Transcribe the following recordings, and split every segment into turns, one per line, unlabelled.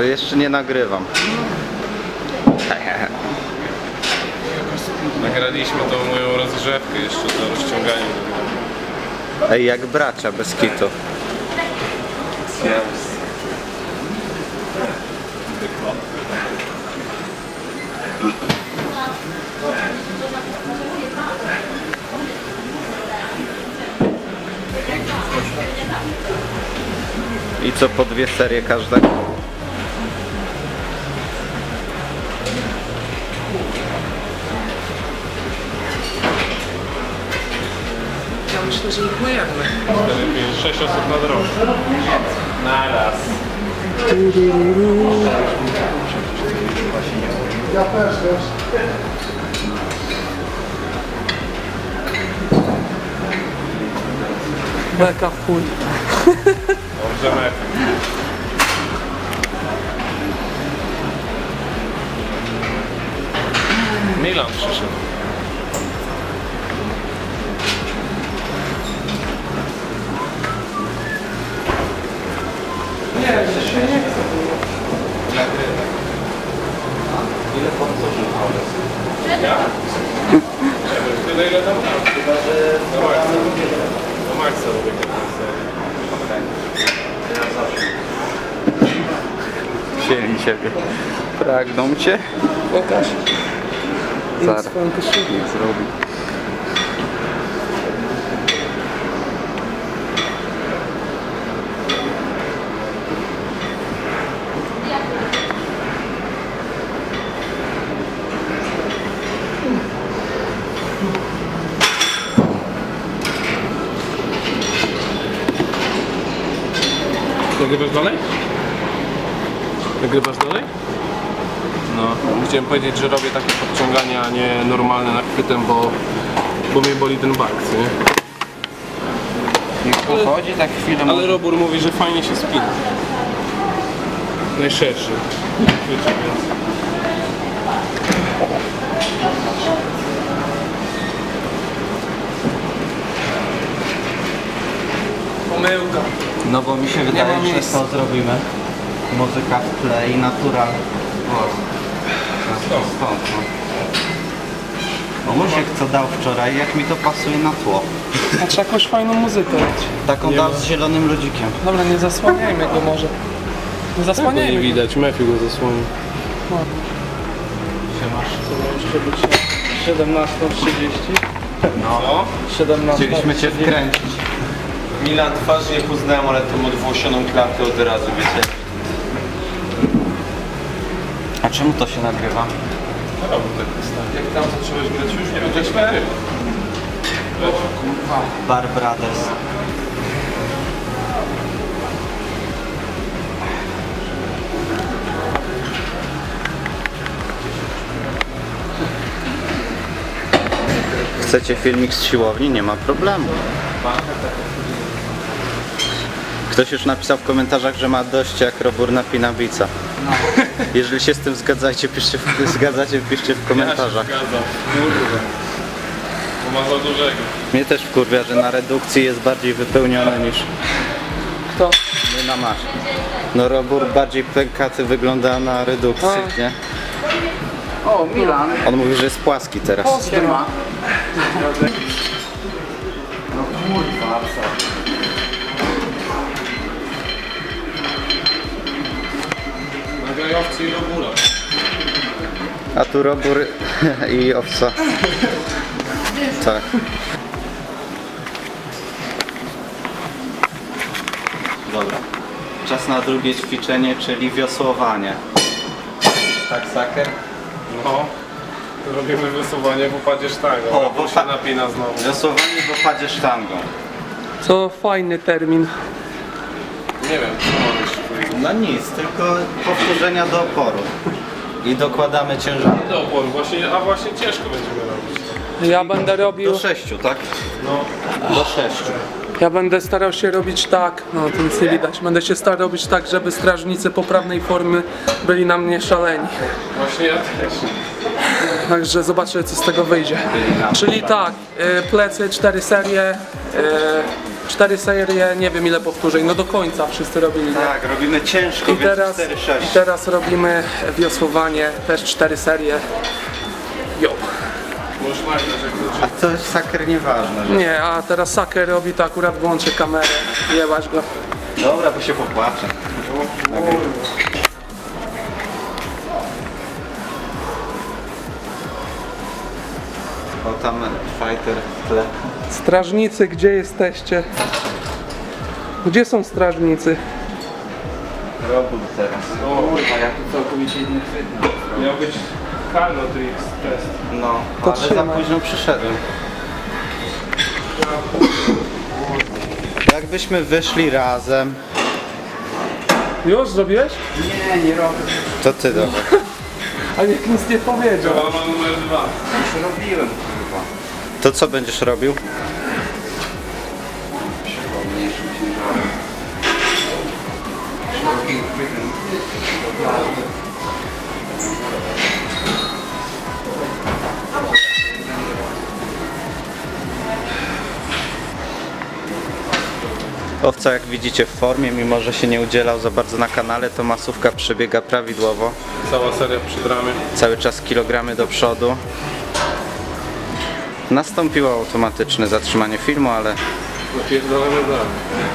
Jeszcze nie nagrywam.
Nagraliśmy tą moją rozgrzewkę jeszcze do rozciągania.
Ej, jak bracia, bez kitu. I co, po 2 serie każdego?
Ja myślę, że ich myjemy.
6 osób na drogę. Naraz.
Ja też, wiesz.
Beka w chuj.
Dobrze, Mefi. Milan przyszedł.
Nie, że się nie chce.
Ile pan co
Ja? Tyle ile tam dam.
Chyba, że
Do Maxa lubię
wzięli ciebie. Pragną cię?
Pokaż.
Zaraz.
Swoją koszulkę.
Zrobi.
Nagrywasz dalej? Nagrywasz dalej?
No.
Chciałem powiedzieć, że robię takie podciągania, a nie normalne nachwytem, bo mnie boli ten bark, co nie?
Niech pochodzi tak chwilę.
Ale Robur mówi, że fajnie się spina. Najszerszy. Chwycie, więc...
Pomyłka.
No bo mi się
ma
wydaje, że
miejsca.
to zrobimy. Muzyka w tle i natural głos. Stąd, no. Bo Musiek co dał wczoraj, jak mi to pasuje na tło.
A trzeba jakąś fajną muzykę dać.
Taką dał z zielonym ludzikiem.
Dobra, nie zasłaniajmy go może. Nie
Nie
zasłaniajmy go.
widać, Mefi go zasłoni.
Jeszcze być 17:30.
No.
17.
Chcieliśmy cię wkręcić.
Milan twarz nie poznałem, ale tą odwłosioną klatkę od razu, wiecie?
A czemu to się nagrywa?
Jak tam zacząłeś grać już? Nie wiem, jak śpiewy.
Bar Brothers. Chcecie filmik z siłowni? Nie ma problemu. Ktoś już napisał w komentarzach, że ma dość jak Robur napina bica. Jeżeli się z tym zgadzacie, piszcie w komentarzach.
Ja się zgadzam. Kurde. Bo ma za dużego.
Mnie też wkurwia, że na redukcji jest bardziej wypełnione niż
Kto?
my na masz. No Robur bardziej pękaty wygląda na redukcji, nie?
O, Milan.
On mówi, że jest płaski teraz.
Siema.
No kurwa, co?
Nagajowcy i Robura.
A tu Robur i owca. Tak. Dobra. Czas na drugie ćwiczenie, czyli wiosłowanie. Tak, Saker?
No. Robimy wysuwanie w opadzie sztangą.
O,
Robur
bo
się
fa-
napina znowu.
Wiosłowanie w opadzie sztangą.
Co fajny termin.
Nie wiem, co mówisz.
No nic, tylko powtórzenia do oporu. I dokładamy ciężar.
Do oporu, a właśnie ciężko będziemy robić.
Ja będę robił.
Do 6, tak?
No.
Do 6.
Ja będę starał się robić tak, no to nic nie widać. Będę się starał robić tak, żeby strażnicy poprawnej formy byli na mnie szaleni.
Właśnie ja też.
Także zobaczę, co z tego wyjdzie. Czyli tak, plecy 4 serie, 4 serie, nie wiem ile powtórzeń, no do końca wszyscy robili. Nie?
Tak, robimy ciężko,
I
więc
teraz,
4-6.
I teraz robimy wiosłowanie, też 4 serie. Jo.
Możesz nagrać jak to
A to saker nieważne. Że...
Nie, a teraz Saker robi to akurat włączy kamerę, jebać go.
Dobra, bo się popłaczę. O, tam fighter w tle.
Strażnicy, gdzie jesteście? Gdzie są strażnicy?
Robót teraz.
Kurwa, ja tu całkowicie inny chwyt.
Miał być Carno Tricks test.
No,
To
ale za
trzymaj.
późno przyszedłem. Jakbyśmy wyszli razem,
Już zrobiłeś?
Nie, nie robię.
to ty dobra.
A nikt nic nie powiedział.
Mama numer 2.
Już robiłem, kurwa.
To co będziesz robił?
Mniejszym ciężarem. Szerokim chwytem.
Owca, jak widzicie, w formie, mimo że się nie udzielał za bardzo na kanale, to masówka przebiega prawidłowo.
Cała seria przy dramie.
Cały czas kilogramy do przodu. Nastąpiło automatyczne zatrzymanie filmu, ale
Napierdolamy dalej.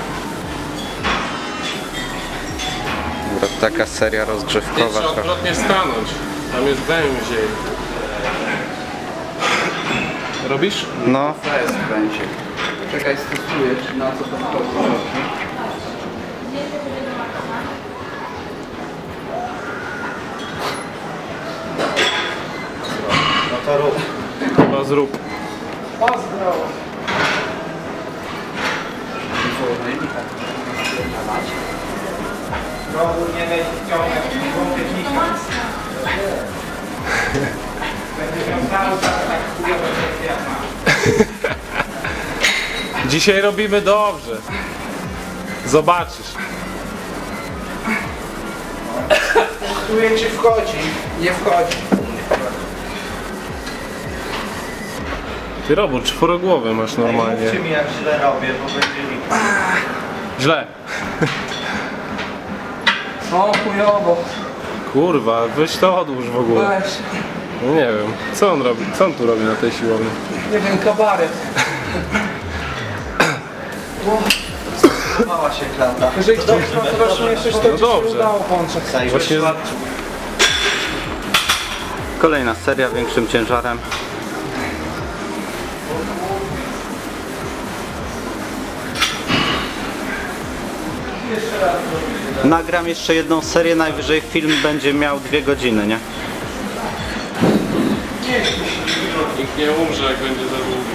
taka seria rozgrzewkowa.
Trzeba
trochę.
odwrotnie stanąć. Tam jest węziej. Robisz?
No,
To jest będzie. Czekaj, stosuję, czy na co to wchodzi.
no to rób.
Chyba zrób.
Robór nie będzie ciągnąć, nie wątpię Będzie miał cały czas tak chujowe jak ma.
Dzisiaj robimy dobrze. Zobaczysz.
Testuję, czy wchodzi. Nie wchodzi.
Ty robór, czworogłowy masz normalnie.
Mówcie mi, jak źle robię, bo będzie mi...
Źle.
O, chujowo.
Kurwa, weź to odłóż w ogóle.
Weź.
No nie wiem, co on robi? Co on tu robi na tej siłowni?
Nie wiem, kabaret.
Mała się klata.
Jeżeli ktoś ma coraz mniejszość, to
No
ci się
dobrze.
udało włączyć.
Właśnie
Kolejna seria większym ciężarem. Nagram jeszcze jedną serię, najwyżej film będzie miał 2 godziny, nie?
nikt nie umrze, jak będzie za długi.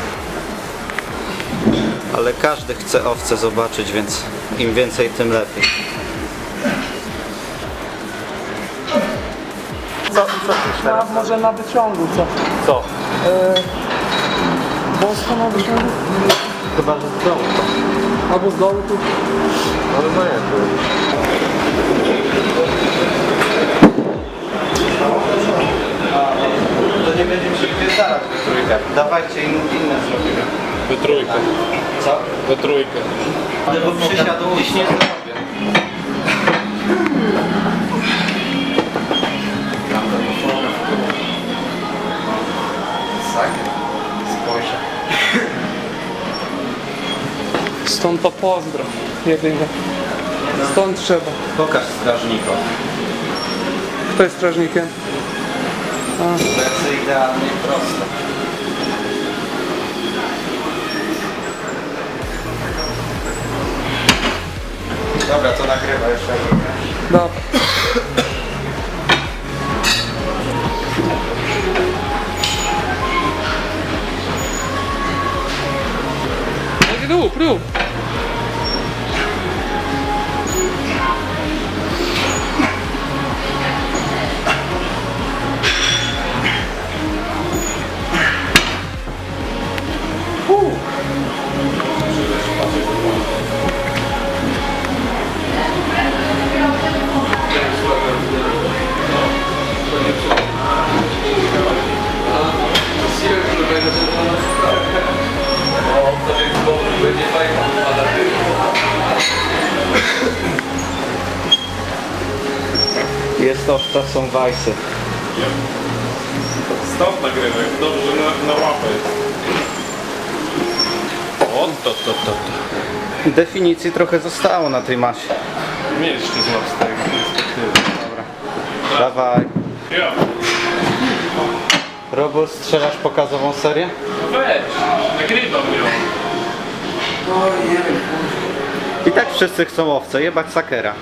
Ale każdy chce owce zobaczyć, więc im więcej, tym lepiej.
A może na wyciągu, co?
Co?
Wąsko na wyciągu?
Chyba, że z dołu.
Albo z dołu tu?
Ale zajęty.
To nie będziemy się wpierdalać we trójkę. Dawajcie inne zrobimy.
We trójkę.
Co?
We trójkę.
Ale bo przysiadu dziś nie zrobię.
Spojrzę.
Stąd to pozdro. Jedynie. Stąd trzeba.
Pokaż strażnikom.
Kto jest strażnikiem?
Lecę idealnie prosto. Dobra, to nagrywa jeszcze.
Dobra. Rób, rób.
Będzie fajnie.
Jest owca, są wajsy.
Stop nagrywaj, dobrze, że na łapę jest. O, to.
Definicji trochę zostało na tej masie.
Mnie jeszcze złap z tej perspektywy.
Dawaj.
Ja.
Robur, strzelasz pokazową serię?
Weź, nagrywam ją.
I tak wszyscy chcą owce, jebać sakera.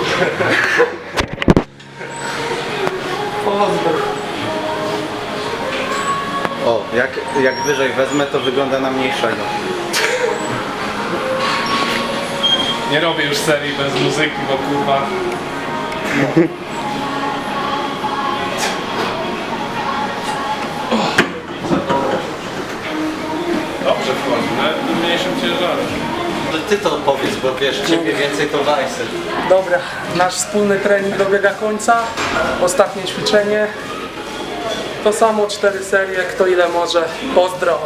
O, jak wyżej wezmę, to wygląda na mniejszego.
Nie robię już serii bez muzyki, bo kurwa... Dobrze wchodzi, nawet w mniejszym ciężarze.
Ty to powiedz, bo wiesz, ciebie więcej to wajsy.
Dobra, nasz wspólny trening dobiega końca. Ostatnie ćwiczenie. To samo 4 serie, kto ile może. Pozdro!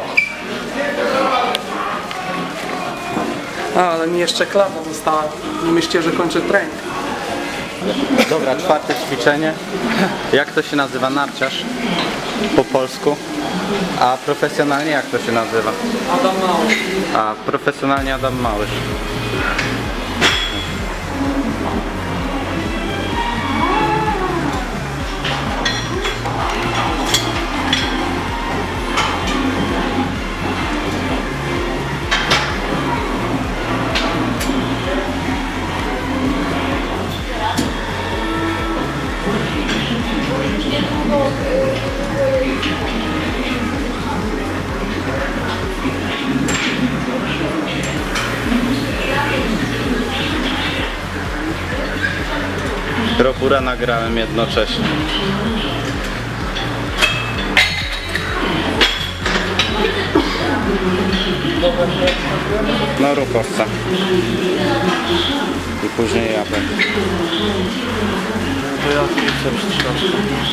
Ale mi jeszcze klata została. Nie myślcie, że kończę trening.
Dobra, czwarte ćwiczenie. Jak to się nazywa? Narciarz po polsku. A profesjonalnie jak to się nazywa?
Adam Mały.
A profesjonalnie Adam Małysz. Robura nagrałem jednocześnie. No rób owca. I później ja będę. To ja chcę troszkę.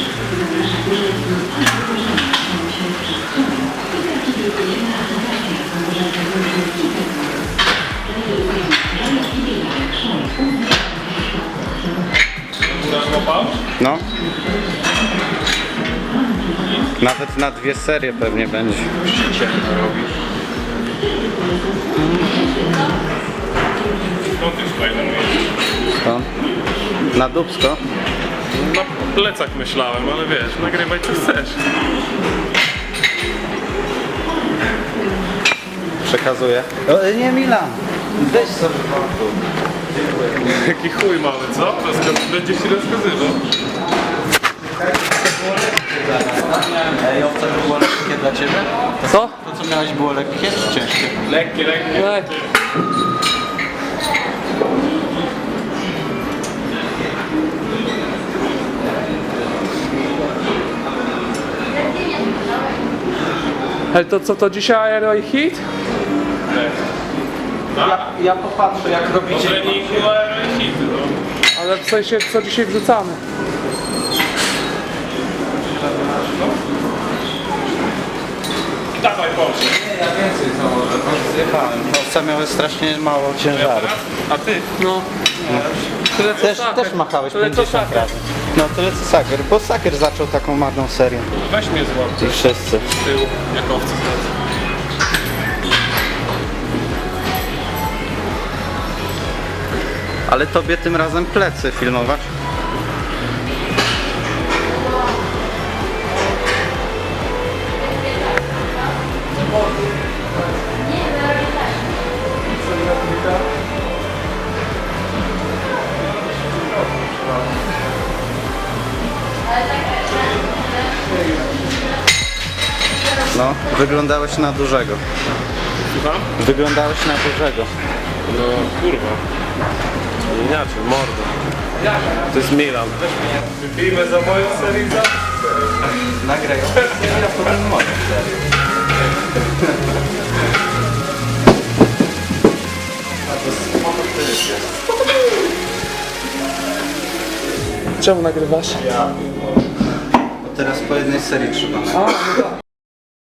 No. Nawet na 2 serie pewnie będzie.
Skąd ty tutaj namierzysz?
To. Na dupsko.
Na plecach myślałem, ale wiesz, nagrywaj co chcesz.
Przekazuję. O, nie Milan. Weź sobie portu.
Jaki chuj mamy, co? Będzie ci rozkazywał.
Ej, owca to było lekkie dla ciebie?
Co?
To co miałeś było lekkie czy ciężkie?
Lekkie.
Nie. Ale to co, to dzisiaj Aero i Hit?
Ja popatrzę jak
Po
robicie.
treningu hity, no.
Ale w sensie co dzisiaj wrzucamy?
Dawaj, Boże.
Ja więcej założę, bo zjechałem. Owca miały strasznie mało ciężaru.
A ty?
No. Tyle co saker.
Też machałeś
Tyle co
50
saker.
razy. No tyle co Saker, bo Saker zaczął taką marną serię.
Weź mnie złap
I wszyscy.
z tyłu, jak owce zlecę.
Ale tobie tym razem plecy filmować. No, wyglądałeś na dużego.
Słucham?
Wyglądałeś na dużego.
No kurwa. Inaczej, mordo. To jest Milan. Wypijmy za moją serię za...
Nagraj. Ja potem moją serię.
Czemu nagrywasz?
Teraz po jednej serii trzeba nagrać.
A, no tak.